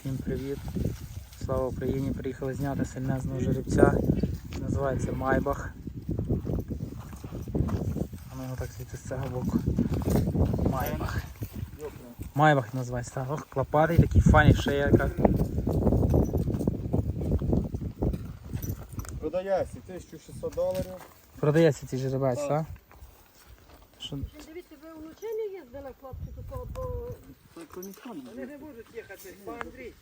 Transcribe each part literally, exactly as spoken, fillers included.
Всім привіт! Слава Україні! Приїхали зняти сильнезного жеребця. Називається Майбах. А ну його так звідти з цього боку. Майбах. Майбах називається. Так. Ох, клопатий, такий фані, шея яка. Продається тисяча шістсот доларів. Продається цей жеребець, так? так? Що... Дивіться, ви вночі не їздили, хлопці, такого, бо вони не можуть їхати, бо Андрій.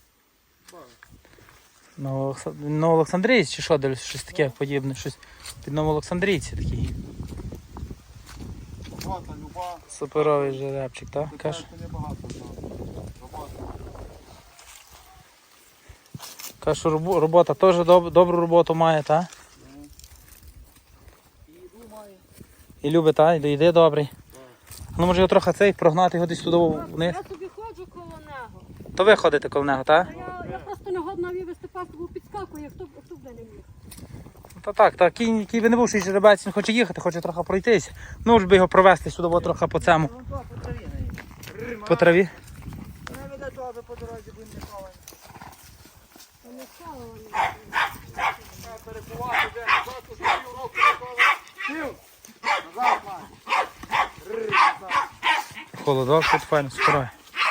Новоолександрійці чи що, дивлюсь, щось таке подібне, щось під Новоолександрійці такий. Робота, люба. Суперовий жеребчик, так? Каш... Каже, що робота теж доб... добру роботу має, так? І їду має. І любить, так? І доїде добрий. Ну може його трохи цей прогнати його десь туди вниз. Я собі ходжу коло нього. То ви ходите коло нього, так? Я, я просто не годна вивезти пасту, підскакує, хто, хто буде не міг. Та так, так, кінь, який би не був, що жеребець, він хоче їхати, хоче трохи пройтись. Ну ж би його провести сюди, бо трохи по цьому. По траві. Не веде добре по дорозі, бо не ховаємо. Вони схавали. Треба перекувати, де назад, уже півроку ніколи. Пів! Назад, має. Рррр, назад. Холодок тут файно, скорой.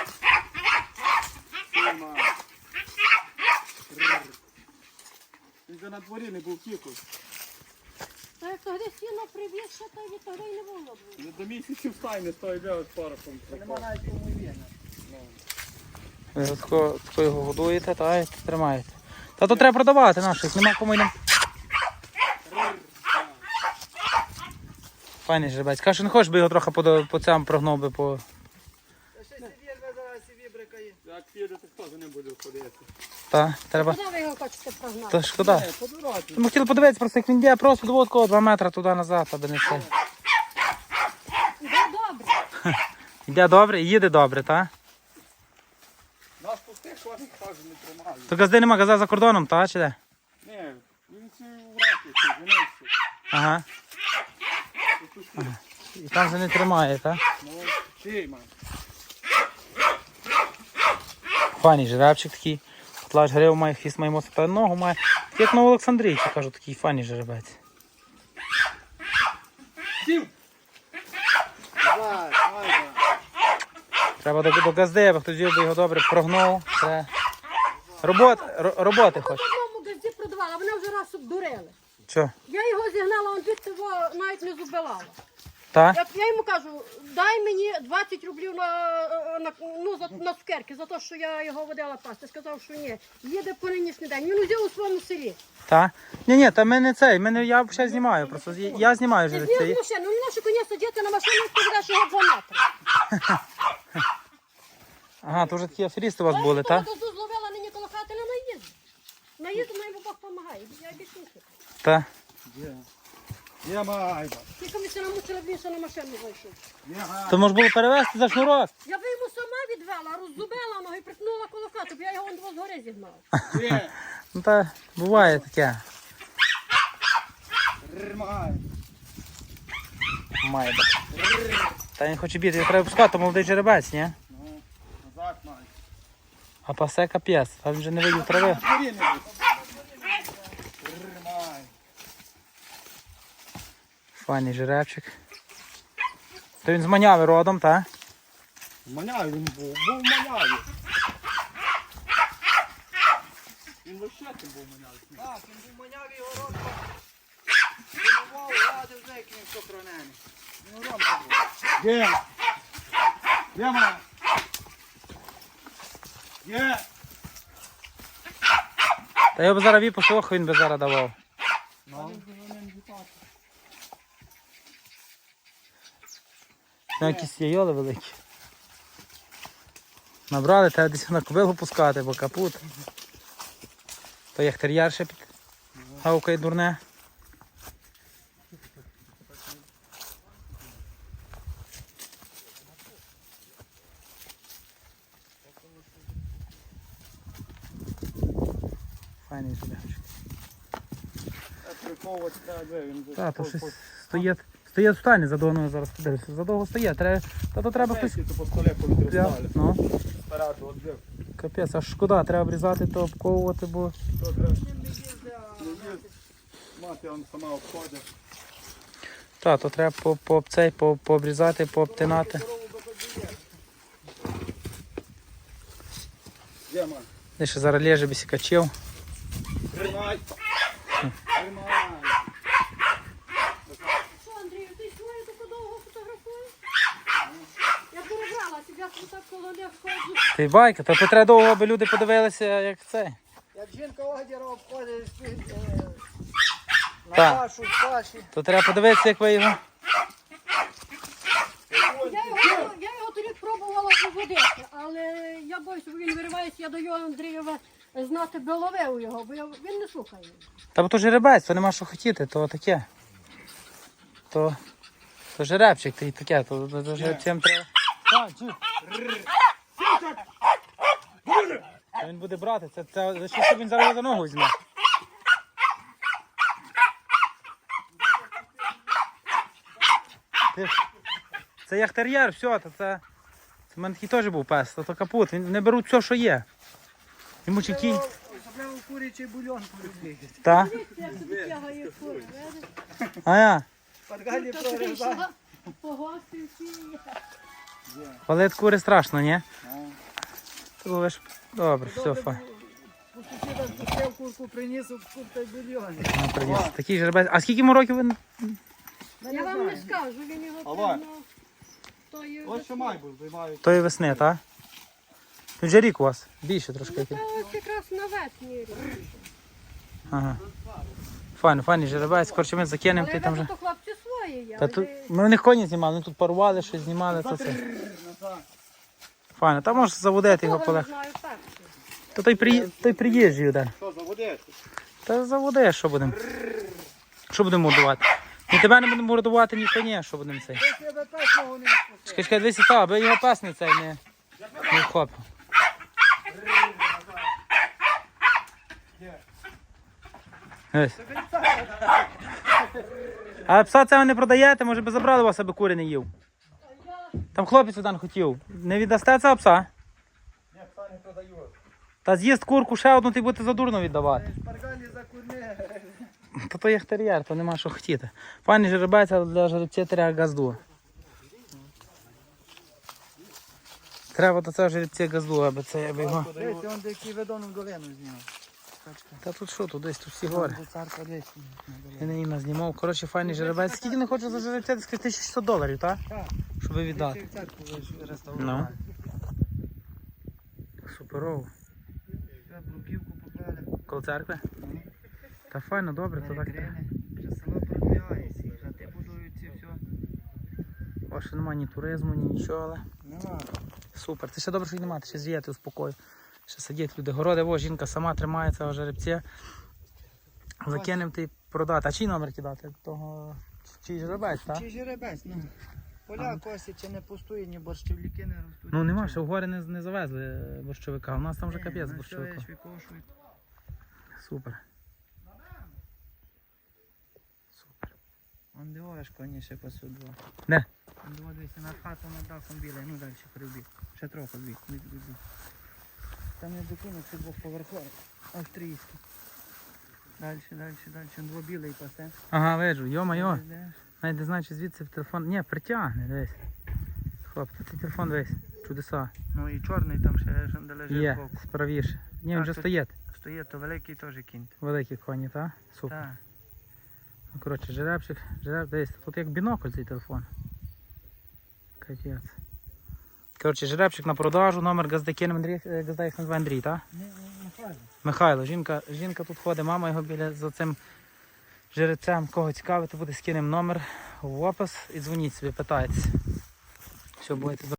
Пів, має. Рррр. Він же на дворі не був тіку. Та як тоді сіно привіз, що тоді тоді й не було б. Не до місяців стайне стоїть з порохом. Нема навіть кому є. Ви тако, тако його годуєте, та й тримаєте. Та то треба продавати наших, нема кому й нам. Файний жеребець. Каже, що не хочеш би його трохи по, по цьому прогнув би по... Як підете, хто за ним буде ходити? Та, треба... Куди ви його хочете прогнати? Та шкода. По дорозі. Ми хотіли подивитися, просто як він йде, просто до такого два метри туди-назад, аби не це. Іде добре. Йде добре і їде добре, так? Наш пустих ходить, каже, не тримає. То газди нема, газа за кордоном, та чи де? Ні, він ці в ракі, женився. Ага. Ага. І там же не тримає, так? Ну, чий, мам. Файний жеребчик такий. Котлач грив має, хвіст має моцно, та ногу має. Як Новоолександрійці, кажу, такий файний жеребець. Сів! Давай, давай, давай. Треба до, до газди, аби хтось взяв би його добре прогнув. Це... Робот, ро- роботи Я хоч. в одному газді продавала, вони вже раз обдурили. Що? Я його зігнала, он звідти його навіть не зубилала. Та? Я, я йому кажу, дай мені двадцять рублів на, на, ну, за, на цукерки, за те, що я його водила пасти. Сказав, що ні, їде по нинішній день. Він узяв у своєму селі. Та? Ні, ні, та ми не цей, ми не, я ще знімаю просто. Я знімаю Ти жеребця. зняв з машини, ну наші коні сидіти на машину, ти ведеш його два метри. Ага, то вже такі аферісти у вас були, так? Я того зловила нині коло хати, не наїзду. Наїзду, мені Бог допомагає, я більше не хочу. Та. Є. Є, майба. Тільки ми се намучили, б він ще на машину зайшов. Є, майба. То може було перевезти за шнурок. Я би йому сама відвела, роззубила ногу і притнула коло хати, бо я його вон згори зігнала. Є. Ну та буває таке. Рррр, майба. Має бути. Та він хоче бігти, його треба пускати, молодий жеребець, ні? Ну, назад, майба. А пасе капець, а він вже не видів трави. На дворі не буде. Рррр, майба. Файний жеребчик. То він з Маняви родом, так? В Маняві він був, був в Маняві. Він вообще тим був в Маняві. Так, він був в Маняві, його рот тренував, радив з нею, він сохранений. Він ромка був. Є! Є, мама! Є! Та його б зараз віпусох, він би зараз давав. Ну. Ну, якісь є йоли великі. Набрали, треба десь на кобилу пускати, бо капут. То як тер'яр ще під гавкає дурне. Файний жеребчик. Приковувати треба, де він вже. Так, то щось стоїть. Стоїть в стані, задовго зараз подивишся. Задовго стоїть. Треба, та то треба хтось. По столі повітря Пля- стали. Ну, Спереду відбив. капець, аж шкода, треба обрізати, то обковувати, бо... Мати он сама обходить. Та, то треба по, по, цей, по, пообрізати, пообтинати. Де, ма? Де ще зараз лежить без качів. Тримай! Тримай! Що, Андрію, ти свою таку довго фотографуєш? Я перебралася, я так коло них ходжу. Ти байка, то, то треба довго, аби люди подивилися, як це. Як жінка Огдіра обходить е, на Так. кашу, каші. То треба подивитися, як ви його. Я його, я його торік пробувала виводити, але я боюся, бо він виривається, я даю Андрієва знати, би ловив його, бо я, він не слухає. Та бо то жеребець, то нема що хотіти, то таке. То, то жеребчик, то і таке, то, то, то жеребцям треба. Так, чи? Та він буде брати, це, це лише щоб він зараз за ногу візьме. Ти- Це як тер'єр, все, то це. Це в мене такий теж був пес, то, то капут. Він не беруть все, що є. Йому чи кінь. Особливо курячий бульон полюбити. Та? Як тобі тягає фури, видиш? А я. Подгалі Та прорізай. прийшла, погостив всі. Палет кури страшно, ні? То ви ж... Добре, все, фа. У сусіда спустив курку, приніс у куртай бульйон. Ну, приніс. Такий жеребець. А скільки йому років він? Я вам не скажу, він його Алло. певно. тої Ось що май був, займають. Тої весни, так? Тут же рік у вас. Більше трошки. Та який. ось якраз на весні рік. Ага. Файно, файний жеребець. Коротше, ми закинемо, Але ти там я вже. то хлопці свої є. Та тут... Ми в них коні знімали, ми тут парували, щось знімали, то це. Файно, там можеш заводити його Кого не полег. знаю перший. То той, при... той приїжджий один. Що, заводити? Та заводи, що будемо. Що будемо мордувати? Ні тебе не будемо мордувати, ні коні, що будемо цей. Ти себе песного не спустив. Чекай, чекай, дивися, та, аби його пес не цей не, не вхопив. Ось. А пса цього не продаєте, може би забрали вас, аби кури не їв. Там хлопець один хотів. Не віддасте цього пса? Ні, пса не продають. Та з'їсть курку ще одну, ти будете задурно віддавати. Шпаргалі за курми. Та то є тер'єр, то нема що хотіти. Пані жеребець, але для жеребця треба газду. Треба до цього жеребця газду, аби це аби його. Десь он деякий ведону долину зняв. Та тут що, тут десь тут всі гори. До царка десь. Я не їм знімав. Коротше, файний жеребець. Скільки не хочу за жеребця, ти скажи тисяча шістсот доларів, так? Так. Щоб віддати. Ти в церкву Ну. реставрував. Суперово. Все, бруківку поклали. Коло церкви? Та файно, добре, то так. треба. Вже село продвигається, і хати будуються, все. О, ще немає ні туризму, ні нічого, але Нема. супер. Це ще добре, що й немає, ще звіяти у спокою. Ще сидять люди. Городи, о, жінка сама тримає цього жеребця. Закинемо ти продати. А чий номер кидати? Того чий жеребець, так? Чи жеребець, ну. Поля косять, чи не пустує, ні борщівники не ростуть. Ну нема, ще в гори не, не завезли борщовика. У нас там вже Ні, капець ну, борщовика. що, викошують. Супер. Супер. Он дивиш, коні ще пасуть два. Де? Он дивися на хату над дахом білий, ну далі прибіг. Ще трохи біг, біг, біг, біг. Там не докинув, ще двохповерховий. Австрійський. Далі, далі, далі. Он два білий пасе. Ага, виджу, йо-майо. Йдеш. Навіть не знаю, чи звідси в телефон. Ні, притягне, дивись. Хлопці, ти телефон дивись. Чудеса. Ну і чорний там ще, що де лежить Є, збоку. справіше. Ні, він Так, вже тут- стоїть. Стоїть, то великий теж кінь. Великі коні, так? Супер. Так. Ну, коротше, жеребчик, жереб, дивись, тут як бінокль цей телефон. Капець. Коротше, жеребчик на продажу, номер газди кинемо, Андрій, е, газда їх називає Андрій, так? Ні, Михайло. Михайло, жінка, жінка тут ходить, мама його біля за цим жеребцем. Кого цікавити буде, скинемо номер в опис і дзвоніть собі, питайтеся. Все, будете